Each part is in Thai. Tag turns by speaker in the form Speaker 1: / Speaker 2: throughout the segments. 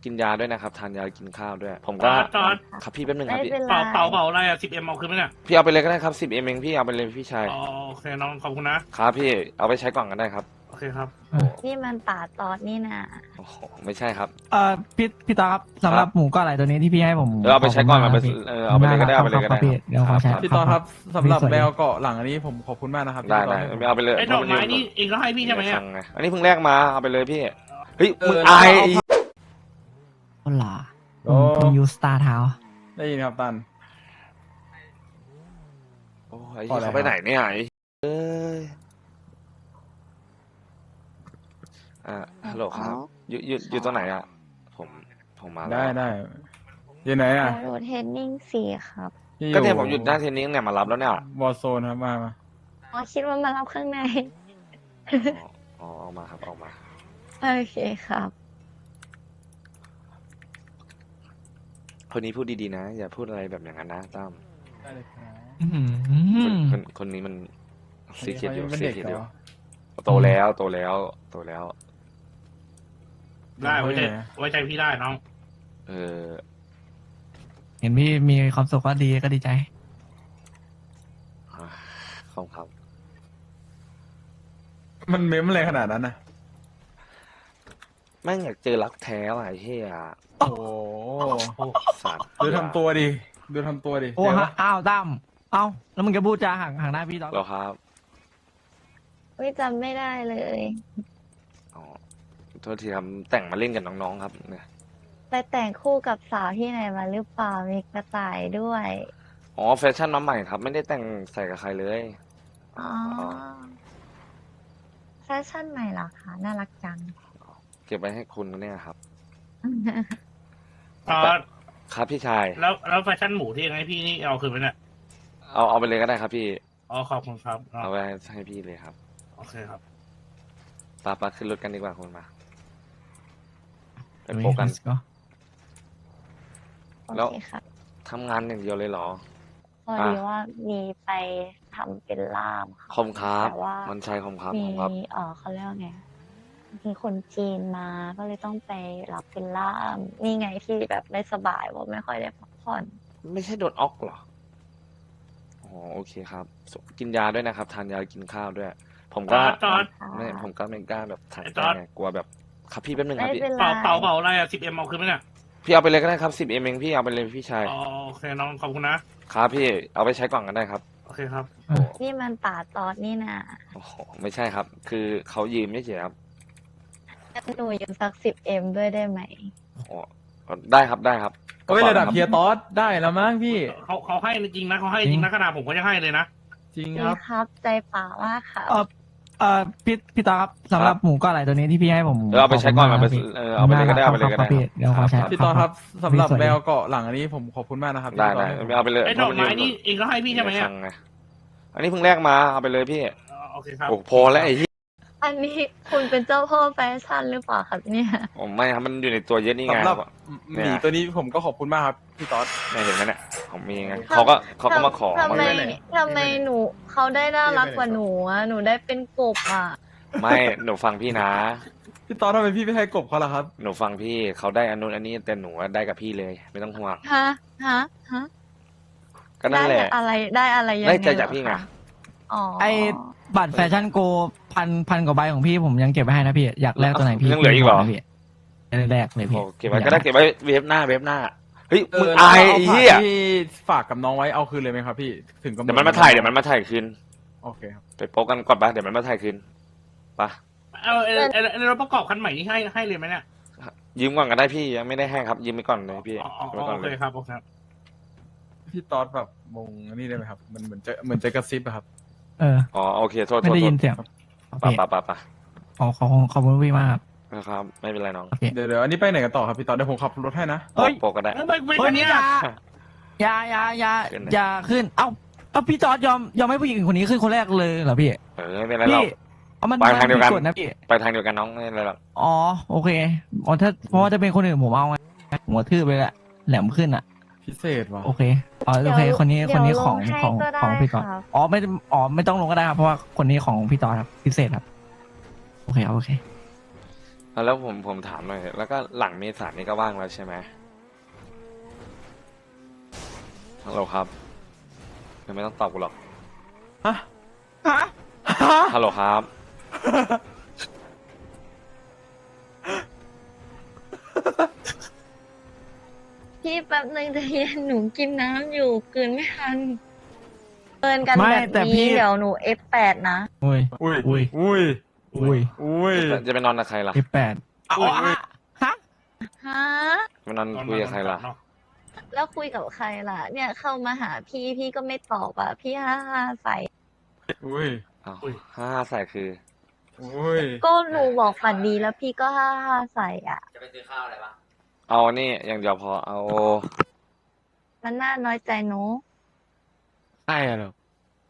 Speaker 1: กินยาด้วยนะครับทานยากินข้าวด้วย ผมก็
Speaker 2: จอด
Speaker 1: ครับพี่แป๊บนึงค
Speaker 3: ไม่
Speaker 1: รับพี่
Speaker 3: เป็นไร
Speaker 2: เป่าอะไรอ่ะ10M เอาคืนไหมเนี่ย
Speaker 1: พี่เอาไปเลยก็ได้ครับ10 เองพี่เอาไปเลยพี่ชาย
Speaker 2: อ๋อโอเคน้องขอบคุณนะครับ
Speaker 1: พี่เอาไปใช้ก่อนกันได้ครับ
Speaker 2: โอเคครับ
Speaker 3: นี่มันป่าตอดนี่นะ
Speaker 1: โอ้โหไม่ใช่ครับ
Speaker 4: พี่ตาครับสำหรับหมูก้อนไหลตัวนี้ที่พี่ให้ผม
Speaker 1: เอาไปใช้ก่อนเอาไป
Speaker 4: ขบคุณม
Speaker 1: เอาไปเลยก็ได้เอาไปเลยก็ได้
Speaker 4: ครับพี่เดี๋ยวขอใช้
Speaker 5: พี่ตอนครับสำหรับ
Speaker 4: พี่สวัส
Speaker 5: แม
Speaker 4: ดี
Speaker 5: วเกาะหลังอันนี้ผมขอบคุณมากนะครับ
Speaker 1: ได้
Speaker 5: ที่
Speaker 1: ได้
Speaker 5: ให้ผม
Speaker 1: เอาไปเลย
Speaker 2: ไอ้ดอกไม้นี่เองก็ให้พี่ใช่ไหมเนี่ย
Speaker 1: ไงอันนี้เพิ่งแรกมาเอาไปเลยพี่เฮ้ยมึง
Speaker 5: เอา
Speaker 1: อาย
Speaker 4: คนหล่อ
Speaker 5: โอ้
Speaker 4: ผมยูสตาร์เท้า
Speaker 5: ได้ยินครับตัน
Speaker 1: โอ้ยไอ้
Speaker 5: พอ
Speaker 1: เหี้ย
Speaker 5: แล้ว
Speaker 1: เขาไปไหนเนี่ยไอ้เอ้ยฮัลโหลครับอยู่ตรงไหนอ่ะผมมาแล้ว
Speaker 5: ได้อยู่ไหนอ่ะ
Speaker 3: โรเทนนิ่งสี่ครับ
Speaker 5: ที่
Speaker 1: ก็เนี่ยผมหยุดหน้าเทนนิสเนี่ยมารับแล้วเนี่ยว
Speaker 5: อลโซนครับมา
Speaker 3: อ๋อคิดว่ามารับข้างใน
Speaker 1: อ๋อออกมาครับออกมา
Speaker 3: โอเคครับ
Speaker 1: คนนี้พูดดีๆนะ อย่าพูดอะไรแบบอย่างนั้นนะตั้ม
Speaker 5: ได้เลยครับ
Speaker 4: อื้อหื
Speaker 1: คนนี้มันซีเคียดอยู่
Speaker 5: เป็น
Speaker 1: ซี
Speaker 5: เด็ก
Speaker 1: เคียด
Speaker 5: เห
Speaker 1: อ
Speaker 5: ร
Speaker 1: ยู่
Speaker 5: อ
Speaker 1: โตแล้ว
Speaker 2: ได้ไว้ใจพี่ได้น้อง
Speaker 1: เออ
Speaker 4: เห็นพี่มีความสุขก็ดีก็ดีใจ
Speaker 1: ขอบครับ
Speaker 5: มันเม้มอะไรขนาดนั้นนะ
Speaker 1: แม่งอยากเจอรักแท้ว่ะไอ้เหี้ย
Speaker 5: โอ้โห
Speaker 1: สัตว์
Speaker 5: ดูทำตัวดิดูทำตัวดิ
Speaker 4: โอ้
Speaker 5: เดี๋ยว
Speaker 4: ฮะอ้าวตั้มเอ้าแล้วมึงจะพูดจาห่างหน้าพี่ตอน
Speaker 1: เหรอครับ
Speaker 3: ไม่จำไม่ได้เลย
Speaker 1: อ๋อโทษทีครับแต่งมาเล่นกับน้องๆครับเนี่ย
Speaker 3: ไปแต่งคู่กับสาวที่ไหนมาหรือเปล่ามีกระต่ายด้วย
Speaker 1: อ๋อแฟชั่นมาใหม่ครับ ไม่ได้แต่งใส่กับใครเลย
Speaker 3: อ๋อแฟชั่นใหม่เหรอคะน่ารักจัง
Speaker 1: เก็บไว้ให้คุณนะเนี่ยครับ
Speaker 2: จอด
Speaker 1: ครับพี่ชาย
Speaker 2: แล้วแฟชั่นหมูที่เองให้พี่นี่เอาคืนไหมเนี่ย
Speaker 1: เอาไปเลยก็ได้ครับพี่
Speaker 2: อ๋อขอบคุณครับอ๋อ
Speaker 1: เอาไว้ให้พี่เลยครับ
Speaker 2: โอเคครับ
Speaker 1: ปาขึ้นรถกันดีกว่าคุณมาไป
Speaker 4: เฮ้ย
Speaker 1: โปะกัน
Speaker 4: let's go
Speaker 3: โอ
Speaker 1: แล้ว
Speaker 3: เคครับ
Speaker 1: ทำงานอย่างเดียวเลยเหรอ
Speaker 3: พอดีว่ามีไปทำเป็นล่ามค่ะ
Speaker 1: คอมครับ
Speaker 3: แต่ว่า
Speaker 1: มันใช่คอมครับ
Speaker 3: มี
Speaker 1: คอมครับ
Speaker 3: เขาเรียกว่าไงมีคนจีนมาก็เลยต้องไปรับเป็นล่าม นี่ไงที่แบบไม่สบายว่าไม่ค่อยได้พักผ่อน
Speaker 1: ไม่ใช่โดนออกเหรอ อ๋อโอเคครับ กินยาด้วยนะครับ ทานยากินข้าวด้วย ผมก็
Speaker 2: จอด
Speaker 1: ผมก็ไม่กล้าแบบถ่าย
Speaker 2: จอด
Speaker 1: ไงกลัวแบบครับพี่แป๊บนึงครับ
Speaker 3: ไม่
Speaker 1: พี่
Speaker 3: เป็นไร
Speaker 2: เป่าอะไรอ่ะ10M เอาคืนไหมเนี่ย
Speaker 1: พี่เอาไปเลยก็ได้ครับ10 เองพี่เอาไปเลยพี่ชาย
Speaker 2: อ๋อโอเคน้องขอบคุณนะครับ
Speaker 1: พี่เอาไปใช้ก่อนกันได้ครับ
Speaker 2: โอเคครับ
Speaker 3: นี่มันป่าตอดนี่นะ
Speaker 1: โอ้โหไม่ใช่ครับ คือเขายืมไม่เฉยครับ
Speaker 3: หนูยืมสัก10M ด้วยได้ไหม
Speaker 1: อ๋อได้ครับได้ครับ
Speaker 5: เฮ้ยระดับ
Speaker 1: ค
Speaker 5: เฮียตอสได้แล้วมั้งพี่
Speaker 2: เขาให้จริงนะเขาให้จริงนะขนาดผมก็ยังให้เลยนะ
Speaker 5: จริง
Speaker 3: ดี
Speaker 5: ครับ
Speaker 3: ครับใจป่ามากค่ะ
Speaker 4: พี่ตาครับสำหรับหมูก้อนไหลตัวนี้ที่พี่ให้ผม
Speaker 1: เอาไปใช้ก่อน
Speaker 4: ข
Speaker 1: เอา
Speaker 4: บ
Speaker 1: ไป
Speaker 4: คุณม
Speaker 1: เอาไปเลยก็ได้เอาไปเลยก็ได้
Speaker 4: ครับพี่เดี๋ยวขอใช้
Speaker 5: พี่ตอนครับสำหรับ
Speaker 4: พี่สวัสดี
Speaker 5: แมวเกาะหลังอันนี้ผมขอบคุณมากนะครับ
Speaker 1: ได้
Speaker 5: ที่
Speaker 1: ได้
Speaker 5: ให้ผม
Speaker 1: เอาไปเลย
Speaker 2: ไอ้ดอกไม้นี่เองก็ให้พี่ใช่ไหมเนี่ย
Speaker 1: ไงอันนี้เพิ่งแรกมาเอาไปเลยพี่
Speaker 2: อ๋อโอเคครับ
Speaker 1: โอ้พอแล้วไอ้ที่
Speaker 3: อันนี้คุณเป็นเจ้าพ่อแฟชั่นหรือเปล่าครับเนี่ย
Speaker 1: ผมไม่ครับมันอยู่ในตัวเยอะนี่ไง
Speaker 5: สำหรับ
Speaker 1: เนี่
Speaker 5: ห
Speaker 1: ย
Speaker 5: มีตัวนี้ผมก็ขอบคุณมากครับพี่ตอส
Speaker 1: เนี่ยเห็นไหมเนี่ยผมมีไงเขาก็มาขอ
Speaker 3: ทำไม
Speaker 1: มาเลย
Speaker 3: ทำไมหนูเขาได้น่ารักกว่าหนูอ่ะหนูได้เป็นกบอ่ะ
Speaker 1: ไม่หนูฟังพี่นะ
Speaker 5: พี่ตอสทำไมพี่ไม่ให้กบเขาล่ะครับ
Speaker 1: หนูฟังพี่เขาได้อันนู้นอันนี้แต่หนูได้กับพี่เลย ไม่ต้องห่วง
Speaker 3: ฮะฮะฮะ
Speaker 1: ก็นั่นแหละ
Speaker 3: ได้อะไรได้อะไรยังไง
Speaker 1: ได้ใจจากพี่ไง
Speaker 3: เหรอคะอ๋อ
Speaker 4: ไอ้บัตรแฟชั่นโกพันกว่าใบของพี่ผมยังเก็บไว้ให้นะพี่อยากแลกตัวไหนพี่
Speaker 1: ยังเหลืออีกเหรอ
Speaker 4: พี่แรกเลยพี่
Speaker 1: โอ้เก็บไว้ก็ได้เก็บไว้เว็บหน้าเฮ้ยมึง
Speaker 5: แล้ว
Speaker 1: อาย
Speaker 5: เ
Speaker 1: ไอ้เหี้ย
Speaker 5: ที่ฝากกับน้องไว้เอาคืนเลยไหมครับพี่ถึงกำหน
Speaker 1: เดี๋ยวมันมาถ่ายคืน
Speaker 5: โอเคครับ
Speaker 1: ไปโป๊กกันก่อนปะเดี๋ยวมันมาถ่ายคืนปะ
Speaker 2: รถประกอบคันใหม่นี่ให้เลยไหมเนี่ย
Speaker 1: ยืมก่อนก็ได้พี่ยังไม่ได้ให้ครับยืมไปก่อนเลยพี่
Speaker 2: อ๋อ
Speaker 1: ยืมไปก่อน
Speaker 2: โอ
Speaker 1: เล
Speaker 2: เค
Speaker 1: ย
Speaker 2: ครับโอเคครับ
Speaker 5: พี่ตอสแบบมงอันนี่ได้ไหมครับ มันเหมือนจะกระซิบอะครับ
Speaker 4: เออ
Speaker 1: อ๋อโอเคโทษ
Speaker 4: ไม่ได้ยินเสียง
Speaker 1: ปะปะปะปะ
Speaker 4: ขอบคุณพี่มากครับ
Speaker 1: นะครับไม่เป็นไรน้อง
Speaker 4: โอเค
Speaker 5: เดี๋ยวอันนี้ไปไหนกันต่อครับพี่ตอสเดี๋ยวผมขับรถให้นะ
Speaker 4: เฮ้ย
Speaker 1: โป๊กก็ได้
Speaker 2: ไม่
Speaker 4: เฮ้ย
Speaker 2: เนี่ย
Speaker 4: อย่าขึ้นเอ้าพี่จอร์ดยอมให้ผู้หญิงคนนี้ขึ้นคนแรกเลยเหรอพี่
Speaker 1: ไม่เป็นไรหร
Speaker 4: พี่
Speaker 1: อก
Speaker 4: เอามัน
Speaker 1: ไปทางเดียวกัน
Speaker 4: ผิกฎนะพี่
Speaker 1: ไปทางเดียวกันน้องไม่เป็นไรหรอก
Speaker 4: อ๋อโอเคอ๋อถ้าเพราะว่าถ้าเป็นคนอื่นผมเอาไงหัวทื่อไปแหละแหลมขึ้นอ่ะ
Speaker 5: พิเศษว่ะ
Speaker 4: โอเคโอเคคนนี้ของ
Speaker 3: เดี๋ยวล
Speaker 4: ของ
Speaker 3: ให้ก็ได้
Speaker 4: ของพี่จอร์ด
Speaker 3: ครับ
Speaker 4: ไม่ต้องลงก็ได้ครับเพราะว่าคนนี้ของพี่จอร์ดครับพิเศษครับโอเคครับโอเค
Speaker 1: แล้วผมถามหน่อย แล้วก็หลังเมษายนนี่ก็ว่างแล้วใช่ไหมฮัลโหลครับยังไม่ต้องตอบกูหรอก
Speaker 5: ฮะฮะ
Speaker 1: ฮัลโหลครับ
Speaker 3: พี่แป๊บนึงใจเย็นหนูกินน้ำอยู่กลืนไม่ทันเกินกัน
Speaker 4: ไม่
Speaker 3: แบบ
Speaker 4: แต่พี่
Speaker 3: นี้เดี๋ยวหนู F8 นะ
Speaker 4: อุ้ย
Speaker 5: อุ้ย
Speaker 4: อุ้ย
Speaker 5: อุ้ย
Speaker 4: อุ้ย
Speaker 5: อุ้ย
Speaker 1: จะไปนอนกับใครล่ะ
Speaker 4: F8 เอาอะฮะ
Speaker 3: ฮะ
Speaker 1: ไปนอนคุยกับใครล่ะ
Speaker 2: เนาะ
Speaker 3: แล้วคุยกับใครล่ะ เนี่ยเข้ามาหาพี่พี่ก็ไม่ตอบอ่ะ พี่ฮ่าฮ่าใส่
Speaker 5: อุ้ย
Speaker 1: อ้าวห้าใส่คือ
Speaker 5: อุ้ย
Speaker 3: ก็หนูบอกฝันดีแล้วพี่ก็ฮ่าฮ่าใส่อ่ะ
Speaker 1: เอานี่อย่างเดียวพอ เอา
Speaker 3: มันน่าน้อยใจหนู
Speaker 6: ใช่เหรอ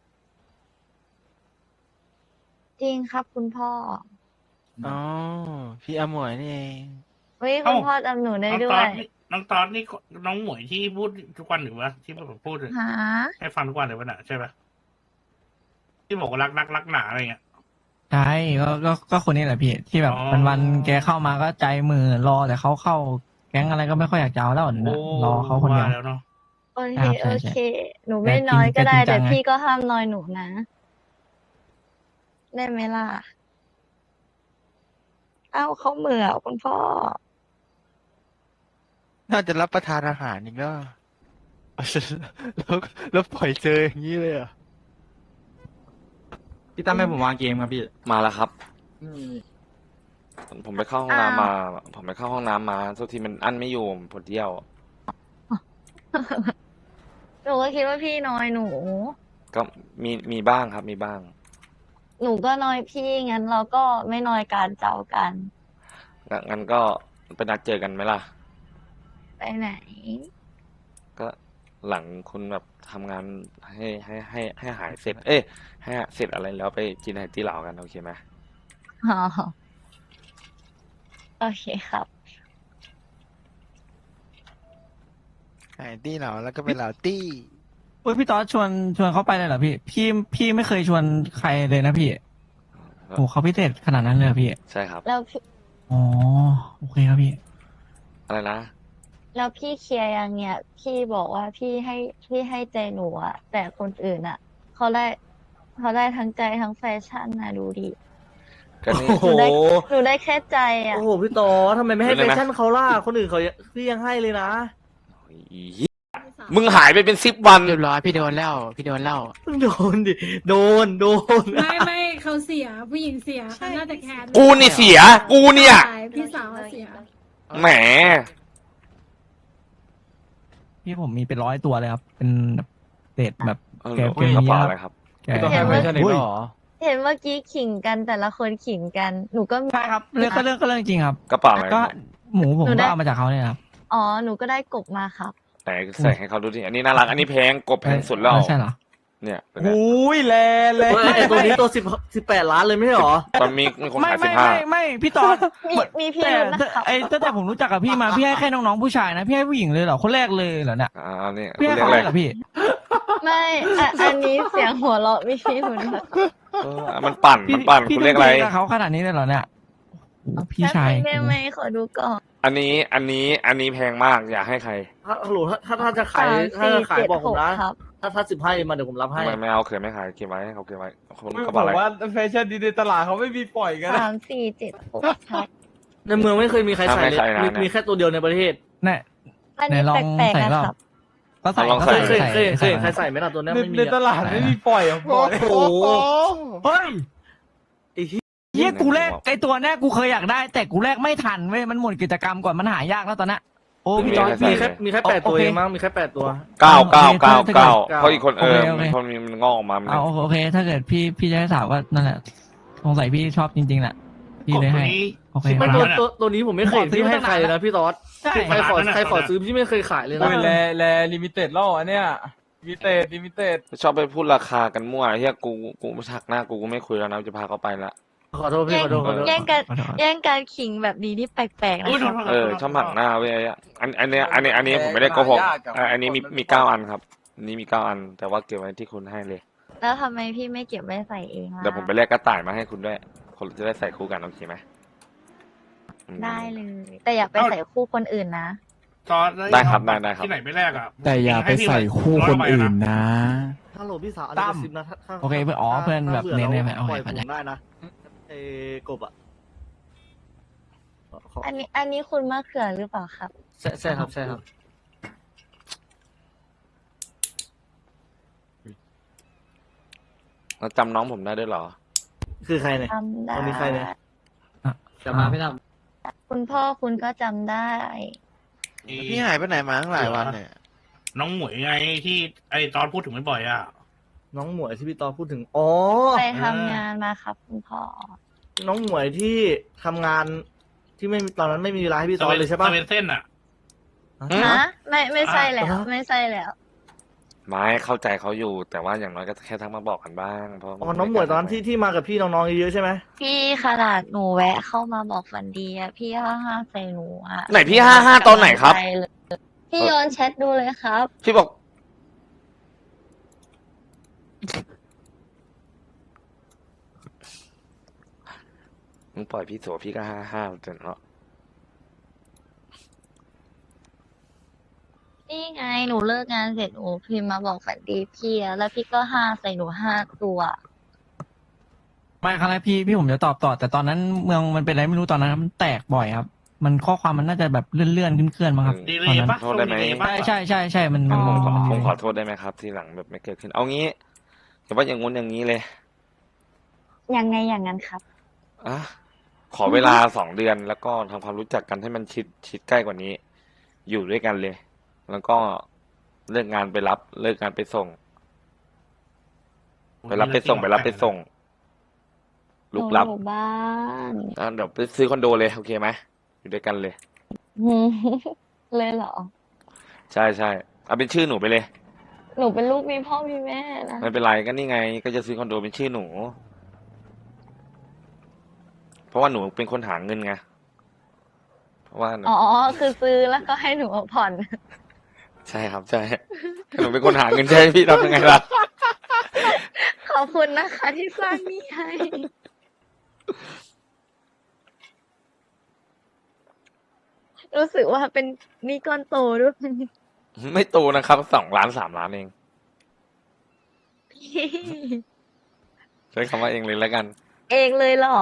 Speaker 3: จริงครับคุณพ่อ
Speaker 6: อ๋อ พี่อมวยนี่เอง
Speaker 3: เฮ้ยคุณพ่อจำหนูได้
Speaker 2: น้อง
Speaker 3: ด้
Speaker 2: ต
Speaker 3: ว
Speaker 2: อน
Speaker 3: ย
Speaker 2: นี่น้องตอนนี่น้องหมวยที่พูดทุกวันหรือวะที่ผมพูด
Speaker 3: หา
Speaker 2: ให้ฟังทุกวันเลยวะน่ะใช่ปะที่บอกว่ารักหนาอะไรเงี้ย
Speaker 4: ใช่ก็คนนี้แหละพี่ ที่แบบ
Speaker 2: อ๋อ
Speaker 4: วันๆแกเข้ามาก็ใจมือรอแต่เขาเข้า แก๊งอะไรก็ไม่ค่อยอยากจะเอาแล้วนะรอเขาคนเดียว
Speaker 2: ว่าแล้วเนาะ
Speaker 3: โอเค
Speaker 4: ครับใช่
Speaker 3: โอ
Speaker 4: ใช่
Speaker 3: เค หนูไม่น้อยก็ได้
Speaker 4: แกจริงจั
Speaker 3: แต่
Speaker 4: งไง
Speaker 3: พี่ก็ห้ามน้อยหนูนะ ได้ไหมล่ะ เอ้าเขาเหมือคุณพ่อ
Speaker 6: น่าจะรับประทานอาหารอีกแล้วแล้วแล้วปล่อยเจออย่างนี้เลยเหรอ่ะ
Speaker 5: พี่ตั้มให้ผมวางเกมครับพี่
Speaker 1: มาแล้วครับ
Speaker 5: อืม
Speaker 1: ผมไปเข้าห้องน้ำมา ผมไปเข้าห้องน้ำมาทุกทีมันอั้นไม่อยู่ผมปวดเยี่ยว
Speaker 3: หนูก็คิดว่าพี่น้อยหนู
Speaker 1: ก็มีบ้างครับ มีบ้าง
Speaker 3: หนูก็น้อยพี่งั้นเราก็ไม่น้อยการเจ้ากัน
Speaker 1: งั้นก็ไปนัดเจอกันไหมล่ะ
Speaker 3: ไปไหน
Speaker 1: ก็หลังคุณแบบทำงานให้หายเสร็จ เอ้ยให้เสร็จอะไรแล้วไปกินไฮตี้เหลากันโอเคไหม
Speaker 3: อ๋อ โอเคครับ
Speaker 6: ไอ้ตี้เหล่าแล้วก็เป็นเหล่าตี้
Speaker 4: เฮ้ยพี่ต๊อดชวนเขาไปเลยเหรอพี่ พี่ไม่เคยชวนใครเลยนะพี่โอ้เขาพิเศษขนาดนั้นเลยเหรอพี่
Speaker 1: ใช่ครับ
Speaker 3: แล้วพี่
Speaker 4: อ๋อโอเคครับพี่
Speaker 1: อะไรนะ
Speaker 3: แล้วพี่เคลียร์ยังเนี่ย พี่บอกว่าพี่ให้ใจหนูอะแต่คนอื่นอะเขาได้ทั้งใจทั้งแฟชั่นนะดูดิ
Speaker 1: ก็นี่
Speaker 7: โอ้โห
Speaker 3: หนูได้แค่ใจอะ
Speaker 7: โอ้โห พี่ต่อทำไมไม่ให้
Speaker 1: เดี๋
Speaker 7: แฟ
Speaker 1: ยวนะ
Speaker 7: ชั่นเขาล่ะ คนอื่นเขาพี่ยังให้เลยนะ
Speaker 1: อีเหี้ยมึงหายไปเป็น10 วัน
Speaker 6: เรียบร้อยพี่โดนแล้วพี่โดนแล้ว
Speaker 7: โดนดิ โดน
Speaker 8: ไม่เขาเสียผู้หญิงเสียเขาน่าจะแคร์
Speaker 1: กูนี่เสีย กูเนี่ย
Speaker 8: ใช่พี่สาวเสีย
Speaker 1: แหม
Speaker 4: พี่ผมมีเป็น100 ตัวเลยครับ เป็นเศษแบบ
Speaker 1: เออ
Speaker 4: แก
Speaker 1: เกระเป๋าอะไรครับ
Speaker 4: แก
Speaker 5: พี่ต้องให้แฟชั่นอีกแล้วเหรอ
Speaker 3: เห็นเมื่อกี้ขิงกันแต่ละคนขิงกัน หนูก็มี
Speaker 4: ใช่ครับเรื่องก็เรื่องจริงครับ
Speaker 1: กระเป๋าอะไร
Speaker 4: ก็หมูผม
Speaker 3: หนูได้
Speaker 4: ก็เอามาจากเขาเนี่ยครับ
Speaker 3: อ๋อ หนูก็ได้กบมาครับ
Speaker 1: ไหนใส่ให้เขาดูดิอันนี้น่ารัก อันนี้แพงกบแพงสุดแล้ว
Speaker 4: ใช่เหรอ
Speaker 1: เนี่ยเป็นไง
Speaker 7: อุ้ยแลไอตัวนี้ตัว18 ล้านเลยไม่ใช่หรอ
Speaker 1: ตอนมีคน
Speaker 4: ไม่
Speaker 1: ขาย
Speaker 4: ไม่
Speaker 1: 15
Speaker 4: ไม่พี่ต๊อด
Speaker 3: มีพี่
Speaker 4: แต่
Speaker 3: รุธนะครับ
Speaker 4: ตั้งแต่ผมรู้จักกับพี่มาพี่ให้แค่น้องๆผู้ชายนะพี่ให้ผู้หญิงเลยเหรอคนแรกเลยเหรอเนี่ย
Speaker 1: นี่
Speaker 4: พี่ให้
Speaker 1: เรียก
Speaker 4: เขา
Speaker 1: อะไร
Speaker 4: เลยเหรอพี่
Speaker 3: ไม่อันนี้เสียงหัวเราะมีพี่รุธนะ
Speaker 1: มันปั่น
Speaker 4: พี่
Speaker 1: คุณเรียกอะไร
Speaker 4: ทุ่มเทกับเขาขนาดนี้เลยเหรอเนี่ยโอ้พี่ชาย
Speaker 3: ได้ไหมขอดูก่อน
Speaker 1: อันนี้แพงมากอยากให้ใคร
Speaker 7: ฮัลโหลถ้าจะขาย ถ้าจะขายบอกผมนะ
Speaker 3: ครับ
Speaker 7: ถ้า15มาเดี๋ยวผมรับให้
Speaker 1: ไม่เอาเขินไม่ขายเก็บไว้ให้เขาเก็บไว้คน
Speaker 5: ไม่
Speaker 1: กระ
Speaker 5: บ
Speaker 1: เป๋า
Speaker 5: อ
Speaker 1: อะไร
Speaker 5: กว่าแฟชั่นดีในตลาดเขาไม่มีปล่อยกันนะ
Speaker 3: 3 4 7 6ครับ
Speaker 7: ในเมืองไม่เคยมีใครใส่เลยมีแค่ตัวเดียวในประเทศ
Speaker 4: เนี่ย
Speaker 3: อันนี้
Speaker 4: ไหนลอง
Speaker 3: แปลก
Speaker 4: ใส่
Speaker 3: ๆ
Speaker 4: รอบ
Speaker 3: นะครับ
Speaker 4: ก็ใส่
Speaker 1: ลอง
Speaker 4: ก็
Speaker 1: ใส่
Speaker 4: ใส่
Speaker 7: เคยเห็นใครใส่ไหมล่ะตัวนี้ไม่มี
Speaker 5: ในตลาดไม่มีปล่อยอ่ะบอกเลย
Speaker 7: โอ้โห
Speaker 4: เฮ้ย
Speaker 7: ไอ้ที่
Speaker 4: เฮียกูแรกไอตัวเนี้ยกูเคยอยากได้ แต่กูแรกไม่ทันเว้ยมันหมดกิจกรรมก่อนมันหายากแล้วตอนนั้นโอ้พี่จอย
Speaker 7: มีแค่8ตัวเองมั้งมีแค่8ตัว
Speaker 1: เก้า
Speaker 4: โอเค
Speaker 1: เพราะอีกคน
Speaker 4: โอเคโอเค
Speaker 1: มันมันงอกออกมามัน
Speaker 4: เอาโอเค ถ้าเกิดพี่จะให้สาวก็นั่นแหละสงสัยพี่ชอบจริงๆแหละพี่เลยให้ โอเค
Speaker 7: ไม่
Speaker 4: ค
Speaker 7: ตั
Speaker 4: รั
Speaker 7: ว
Speaker 4: บ
Speaker 7: ตัวนี้ผมไม่เคยเห็นพี่ให้ใครเลยนะพี่ตอส
Speaker 4: ใช่
Speaker 7: ใครขอซื้อพี่ไม่เคยขายเลยนะ
Speaker 5: โอ้ยแลลิมิเต็ดแล้วอันเนี้ยลิมิเต็ด
Speaker 1: ชอบไปพูดราคากันมั่วเฮียกูไม่ชักหน้ากูไม่คุยแล้วนะจะพาเขาไปละ
Speaker 7: ขอโทษพี่ขอโทษ
Speaker 3: แย่งกันขิงแบบนี้ที่แปลกๆนะ
Speaker 2: อุ้ย
Speaker 3: ครับ
Speaker 1: ชอบหักหน้าเว้ยอันนี้ผมไม่ได้โกหกอันนี้มี9 อันครับอันนี้มี9 อัน แต่ว่าเก็บไว้ที่คุณให้เลย
Speaker 3: แล้วทำไมพี่ไม่เก็บไว้ใส่เองล่ะ
Speaker 1: เดี๋ยวผมไปแลกกระต่ายมาให้คุณด้วยคนจะได้ใส่คู่กันโอเคไหม
Speaker 3: ได้เลย แต่อย่าไปใส่คู่คนอื่นนะ
Speaker 2: ตอนแล้ว
Speaker 1: ได้ครับได้ครับ
Speaker 2: ที่ไหนไม่แลกอ่ะ
Speaker 5: แต่อย่าไปใส่คู่คนอื่นนะ
Speaker 7: ฮัลโหลพี่สาวอันนี้
Speaker 4: ตั้
Speaker 7: ก
Speaker 4: ม
Speaker 7: ระซิบนะถ้า
Speaker 4: โอเคเพื่อนอ๋อเพื่อนแบบ
Speaker 7: ถ้าบื่
Speaker 4: เน้น
Speaker 7: แล้ว
Speaker 4: ๆไหมโอเค
Speaker 7: ปล่อยผ
Speaker 4: เข้าใจ
Speaker 7: มได้นะไอ้กบอ่ะขอ
Speaker 3: อันนี้คุณมะเขือหรือเปล่าครับ
Speaker 7: ใช่ครับใช่ครับ
Speaker 1: แล้วจำน้องผมได้ด้วยเหรอ
Speaker 7: คือใครเนี่ย
Speaker 3: จำได้
Speaker 7: คนนี้ใครเนี่ย
Speaker 4: จะมาไม่ท
Speaker 3: คุณพ่อคุณก็จำได้
Speaker 6: พี่หายไปไหนมาตั้งหลายวันเนี่ย
Speaker 2: น้องหมวยไงที่ไอ้ตอนพูดถึงบ่อยๆอ่ะ
Speaker 7: น้องหมวยที่พี่ตอนพูดถึงอ๋อ
Speaker 3: ไปทำงานมาครับคุณพ่อ
Speaker 7: น้องหมวยที่ทำงานที่ไม่มีตอนนั้นไม่มีเวลาให้พี่ตอนเลยใช่ปะ
Speaker 2: สเวนเซ่นอ่ะ
Speaker 3: ฮะ ไม่ใช่แล้ว
Speaker 7: อ่ะ
Speaker 3: ไม่ใช่แล้ว
Speaker 1: ไม่เข้าใจเขาอยู่ แต่ว่าอย่างน้อยก็แค่ทักมาบอกกันบ้างเพราะ
Speaker 7: อ๋อน้องหมวยตอนนั้นที่มากับพี่น้องๆเยอะๆใช่ไหม
Speaker 3: พี่ขนาดหนูแวะเข้ามาบอกฝันดีอะพี่ห้าใส่หนูอะ
Speaker 1: ไหนพี่55ตอนไหนครับ
Speaker 3: กำลังใจเลยพี่โยนแชทดูเลยครับ
Speaker 1: พี่บอก มึงปล่อยพี่โสพี่ก็55จนเนาะ
Speaker 3: นี่ไงหนูเลิกงานเสร็จหนูพิมพ์มาบอกฝันดีพี่อะแล้วพี่ก็ใส่หนู5 ตัว
Speaker 4: ำไม่ครั้งแรกพี่ผมจะตอบต่อ แต่ตอนนั้นเมืองมันเป็นอะไรไม่รู้ตอนนั้นมันแตกบ่อยครับ มันข้อความมันน่าจะแบบเลื่อนๆขึ้นๆมั้งครับ
Speaker 2: ดีเล
Speaker 4: ตอน
Speaker 2: ย
Speaker 4: นั้น
Speaker 2: ปะ
Speaker 1: โทษได้ไหม
Speaker 2: ดีเลยปะ
Speaker 4: ใช่มัน
Speaker 3: อ๋อ
Speaker 1: ผมขอโทษได้ไหมครับ ทีหลังแบบไม่เกิดขึ้น เอางี้แต่ว่าอย่างงู้นอย่างนี้เลย
Speaker 3: ยังไงอย่างนั้นครับ
Speaker 1: อ่ะขอเวลา2 เดือนแล้วก็ทำความรู้จักกันให้มันชิดใกล้กว่านี้ อยู่ด้วยกันเลย แล้วก็เลิกงานไปรับ เลิกงานไปส่ง ไปรับไปส่งไปรับไปส่ง
Speaker 3: ห
Speaker 1: ลุ
Speaker 3: นู
Speaker 1: กลับ
Speaker 3: อยู่บ้าน
Speaker 1: อ่ะเดี๋ยวไปซื้อคอนโดเลยโอเคไหมอยู่ด้วยกันเลย
Speaker 3: เลยเหรอ
Speaker 1: ใช่ใช่เอาเป็นชื่อหนูไปเลย
Speaker 3: หนูเป็นลูกมีพ่อมีแม่นะ
Speaker 1: ไม่เป็นไรก็นี่ไง ก็จะซื้อคอนโดเป็นชื่อหนู เพราะว่าหนูเป็นคนหาเงินไงเพราะว่าหนู
Speaker 3: อ๋อ คือซื้อแล้วก็ให้หนูมาผ่อน
Speaker 1: ใช่ครับใช่หนูเป็นคนหาเงินใช่ไหมพี่ทำยังไงล่ะ
Speaker 3: ขอบคุณนะคะที่สร้างหนี้ให้ รู้สึกว่าเป็นหนี้ก้อนโตด้วย
Speaker 1: ไม่โตนะครับ2 ล้าน 3 ล้านเอง
Speaker 3: พี่
Speaker 1: ใช้คำว่าเองเลยแล้วกัน
Speaker 3: เองเลยเหรอ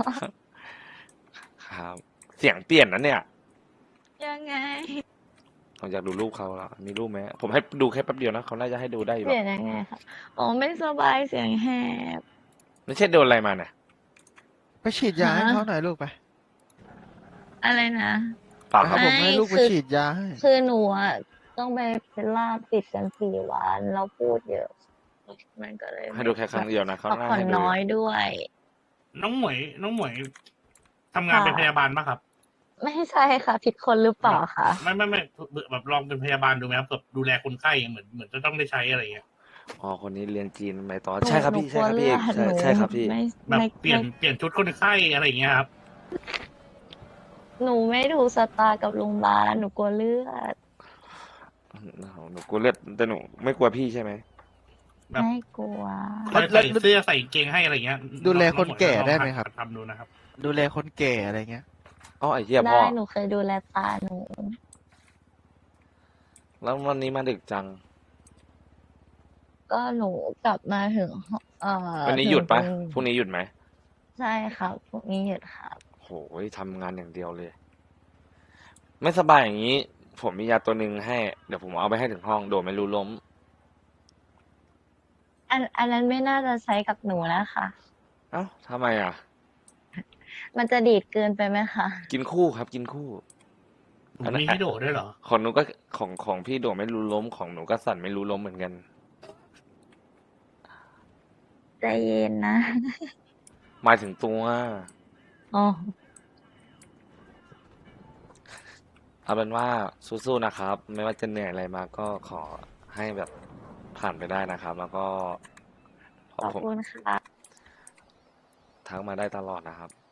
Speaker 1: ครับ เสียงเปลี่ยนนะเนี่ย
Speaker 3: ยังไง
Speaker 1: ผมอยากดูรูปเขาแล้วมีรูปไหมผมให้ดูแค่แป๊บเดียวนะเขาน่าจะให้ดูได้อยู่
Speaker 3: เปลี่ยนยังไงคะอ๋อไม่สบายเสียงแหบ
Speaker 1: ไม่ใช่โดนอะไรมาเนี่ย
Speaker 6: ไปฉีดยาให้
Speaker 3: ฮะ
Speaker 6: เขาหน่อยลูกไป
Speaker 3: อะไรนะ
Speaker 1: เปล่าค
Speaker 6: เอา
Speaker 1: รับ
Speaker 6: ผมให้ลูกไป
Speaker 3: คือ
Speaker 6: ฉีดยาให้
Speaker 3: คือหนูอ่ะต้องไปเป็นลาบติดกัน4 วันแล้วพูดเยอะ มันก็เลย
Speaker 1: ให้ดูแค่ครั้งเดียวนะเขา
Speaker 3: พัก
Speaker 1: น่า
Speaker 3: ผ่อน
Speaker 1: ให้ดู
Speaker 3: น้อยด้วย
Speaker 2: น้องหมวยทำงานเป็นพยาบาลปะครับ
Speaker 3: ไม่ใช่ค่ะ ผิดคนหรือเปล่าคะ
Speaker 2: ไม่แบบลองเป็นพยาบาลดูไหมครับแบบดูแลคนไข้เหมือนจะต้องได้ใช้อะไรอย่างเงี้ย
Speaker 1: อ๋อคนนี้เรียนจีนไปต่อใช่ครับพี่
Speaker 3: หนู
Speaker 1: ใช่
Speaker 3: ก
Speaker 1: ค
Speaker 3: ลั
Speaker 1: รั
Speaker 3: ว
Speaker 1: บพี่
Speaker 3: เลือด
Speaker 1: ใช่ครับพี่
Speaker 3: ไม่
Speaker 2: แบบ
Speaker 3: ไม่
Speaker 2: เปลี่ยนชุดคนไข้อะไรอย่างเงี้ยครับ
Speaker 3: หนูไม่ถูกสตาร์กับโรงพยาบาลหนูกลัวเลือด
Speaker 1: หนูกลัวเลือดแต่หนูไม่กลัวพี่ใช่ไหม
Speaker 2: แบบ
Speaker 3: ไม่กลัว
Speaker 2: คอยใส่เสื้อใส่กางเกงให้อะไรเงี้ย
Speaker 6: ดูแลคนแก่ได้ไหมครับ
Speaker 2: ลองทำดูนะครับ
Speaker 6: ดูแลคนแก่อะไรเงี้ย
Speaker 1: อ๋อไอ้เหี้ยพ่
Speaker 3: ได้
Speaker 1: อ
Speaker 3: หนูเคยดูแลตาหนู
Speaker 1: แล้ววันนี้มาดึกจัง
Speaker 3: ก็หนูกลับมาถึง
Speaker 1: วันนี้หยุดปะ
Speaker 3: ถึง
Speaker 1: พรุ่งนี้หยุดไหม
Speaker 3: ใช่ครับพรุ่งนี้หยุดครับ
Speaker 1: โหยทำงานอย่างเดียวเลย ไม่สบายอย่างนี้ ผมมียาตัวหนึ่งให้ เดี๋ยวผมเอาไปให้ถึงห้องโดดไม่รู้ล้ม
Speaker 3: อันนั้นไม่น่าจะใช้กับหนูนะคะ
Speaker 1: เอ้าทำไมอ่ะ
Speaker 3: มันจะดีดเกินไปไหมคะ
Speaker 1: กินคู่ครับ กินคู่
Speaker 2: ผมมีให้โดดด้วยเหรอ
Speaker 1: ของหนูก็ของพี่โดดไม่รู้ล้มของหนูก็สั่นไม่รู้ล้มเหมือนกัน
Speaker 3: ใจเย็นนะ
Speaker 1: หมายถึงตัว
Speaker 3: อ๋อ
Speaker 1: เอาเป็นว่าสู้ๆนะครับ ไม่ว่าจะเหนื่อยอะไรมาก็ขอให้แบบผ่านไปได้นะครับ แล้วก็
Speaker 3: ขอบ
Speaker 1: ผม
Speaker 3: คุณค่ะ
Speaker 1: ทักมาได้ตลอดนะครับ